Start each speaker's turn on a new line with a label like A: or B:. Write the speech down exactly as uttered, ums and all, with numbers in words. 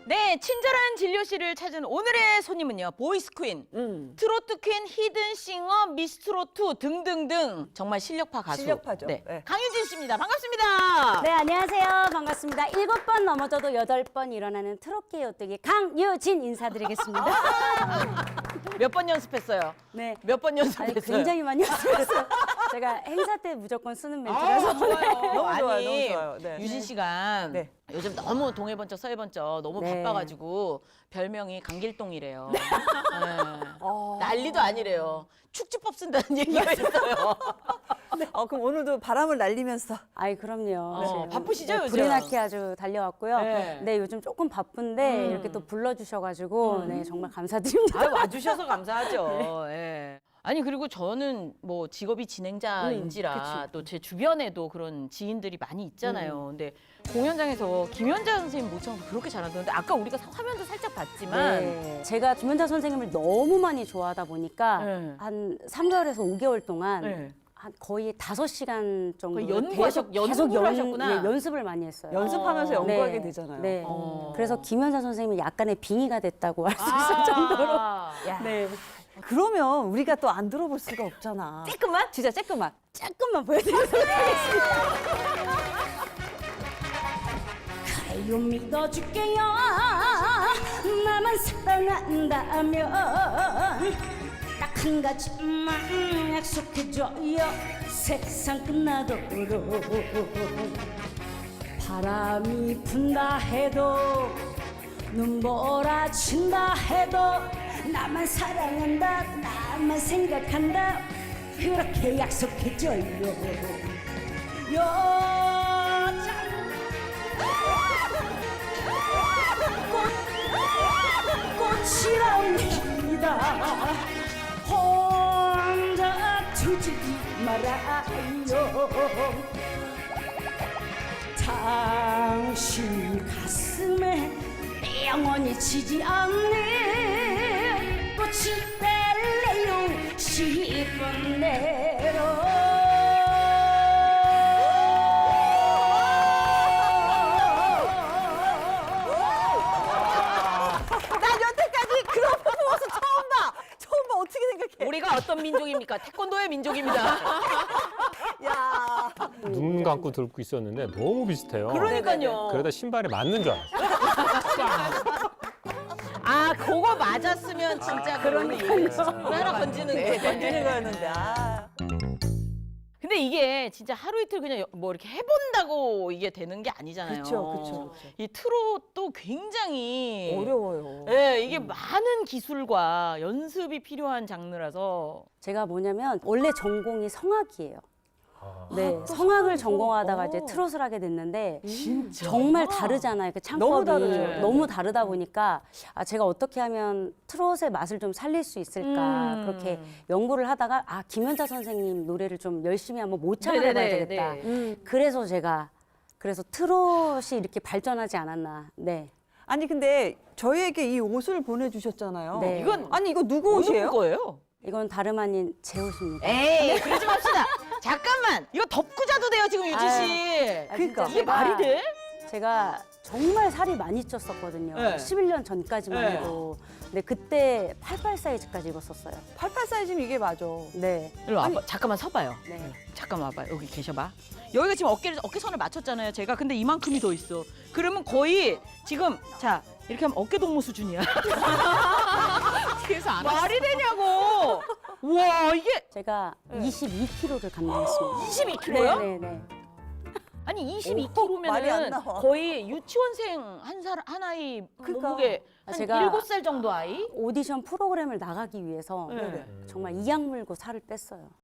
A: 네, 친절한 진료실을 찾은 오늘의 손님은요. 보이스 퀸,
B: 음.
A: 트로트 퀸, 히든싱어, 미스트로트 등등등 정말 실력파 가수.
B: 실력파죠.
A: 네.
B: 네.
A: 강유진 씨입니다. 반갑습니다.
C: 네, 안녕하세요. 반갑습니다. 일곱 번 넘어져도 여덟 번 일어나는 트로트의 오뚜기 강유진 인사드리겠습니다.
A: 몇 번 연습했어요?
C: 네.
A: 몇 번
C: 아니,
A: 연습했어요?
C: 굉장히 많이 연습했어요. 제가 행사 때 무조건 쓰는
A: 아,
C: 멘트라서.
A: 좋아요.
B: 너무
A: 아니,
B: 좋아요, 너무 좋아요. 네.
A: 유진 씨가
B: 네.
A: 요즘 너무 동해번쩍 서해번쩍 너무
C: 네.
A: 바빠가지고 별명이 강길동이래요. 네.
B: 어.
A: 난리도 아니래요. 축지법 쓴다는 얘기가 있어요.
B: 어, 그럼 오늘도 바람을 날리면서.
C: 아이, 그럼요.
A: 어,
C: 지금,
A: 바쁘시죠,
C: 네,
A: 요즘?
C: 불이 나게 아주 달려왔고요.
A: 네.
C: 네. 요즘 조금 바쁜데
A: 음.
C: 이렇게 또 불러주셔가지고 네, 정말 감사드립니다.
A: 아, 와주셔서 감사하죠. 예. 아니 그리고 저는 뭐 직업이 진행자인지라
B: 음,
A: 또 제 주변에도 그런 지인들이 많이 있잖아요. 근데 공연장에서 김연자 선생님 모창도 그렇게 잘하던데 아까 우리가 화면도 살짝 봤지만
C: 네. 제가 김연자 선생님을 너무 많이 좋아하다 보니까
A: 네.
C: 한 삼 개월에서 오 개월 동안
A: 네.
C: 한 거의 다섯 시간 정도
A: 거의 연구하셨-
C: 계속,
A: 연습을
C: 계속 연,
A: 하셨구나.
C: 예, 연습을 많이 했어요.
B: 연습하면서
A: 어.
B: 연구하게
C: 네.
B: 되잖아요.
C: 네.
A: 어.
C: 그래서 김연자 선생님이 약간의 빙의가 됐다고 할 수
A: 아.
C: 있을 정도로.
B: 야.
C: 네.
B: 그러면 우리가 또 안 들어볼 수가 없잖아.
C: 조금만?
B: 진짜 쬐끔만.
C: 조금만 보여드리도록 하겠습니다. 가요 믿어줄게요. 나만 사랑한다면 딱 한 가지만 약속해줘요. 세상 끝나도록 바람이 분다 해도 눈보라 친다 해도 나만 사랑한다 나만 생각한다 그렇게 약속해줘요. 여자 꽃이랍니다. 혼자 두지 말아요. 당신 가슴에 영원히 지지 않는 꽃이 될래요. 싶은 대로.
B: 난 여태까지 그런 퍼포먼스 처음 봐. 처음 봐. 어떻게 생각해?
A: 우리가 어떤 민족입니까? 태권도의 민족입니다.
B: 야.
D: 눈 감고 들고 있었는데 너무 비슷해요.
A: 그러니까요.
D: 그러다 신발이 맞는 줄 알았어요.
A: 아, 그거 맞았으면 진짜 그런 일. 하나 건지는
B: 네,
A: 거.
B: 던지는 거였는데. 아.
A: 근데 이게 진짜 하루 이틀 그냥 뭐 이렇게 해본다고 이게 되는 게 아니잖아요.
B: 그쵸, 그쵸, 그쵸.
A: 이 트롯도 굉장히
B: 어려워요.
A: 예, 이게 많은 기술과 연습이 필요한 장르라서
C: 제가 뭐냐면 원래 전공이 성악이에요.
D: 아.
C: 네,
B: 또
C: 성악을
B: 성악이죠?
C: 전공하다가 이제
B: 어.
C: 트롯을 하게 됐는데
A: 진짜
C: 정말 다르잖아요. 그 창법이
B: 너무 다르죠.
C: 너무 다르다 보니까 아, 제가 어떻게 하면 트롯의 맛을 좀 살릴 수 있을까
A: 음.
C: 그렇게 연구를 하다가 아 김연자 선생님 노래를 좀 열심히 한번 모창을 해봐야
A: 네네네,
C: 되겠다.
A: 네.
B: 음.
C: 그래서 제가 그래서 트롯이 이렇게 발전하지 않았나. 네.
B: 아니 근데 저희에게 이 옷을 보내주셨잖아요.
C: 네.
A: 이건
B: 아니 이거 누구
A: 어느
B: 옷이에요?
A: 거예요?
C: 이건 다름 아닌 제 옷입니다.
A: 에이, 그러지 맙시다. 잠깐만, 이거 덮고 자도 돼요 지금 유진 씨.
C: 아,
B: 그러니까.
C: 진짜
A: 이게 말이 돼?
C: 제가 정말 살이 많이 쪘었거든요.
A: 네.
C: 십일 년 전까지만
A: 네.
C: 해도. 근데 그때 팔십팔 사이즈까지 입었었어요.
B: 팔십팔 사이즈면 이게 맞아.
C: 네.
A: 일로 와봐. 잠깐만 서봐요.
C: 네.
A: 잠깐만 와봐. 여기 계셔봐. 여기가 지금 어깨를 어깨선을 맞췄잖아요. 제가 근데 이만큼이 더 있어. 그러면 거의 지금 자 이렇게 하면 어깨 동무 수준이야. 그래서 안 말이 되냐고. 와 이게
C: 제가 이십이 킬로그램를 감량했습니다.
A: 이십이 킬로그램요?
C: 네, 네, 네.
A: 아니 이십이
B: 말이 안
A: 킬로그램이면은
B: 나와.
A: 거의 유치원생 한 살 한 아이
B: 그러니까.
A: 몸무게
C: 아,
A: 한
C: 제가-
A: 일곱 살 정도 아이?
C: 오디션 프로그램을 나가기 위해서
A: 네.
C: 정말 이악 물고 살을 뺐어요.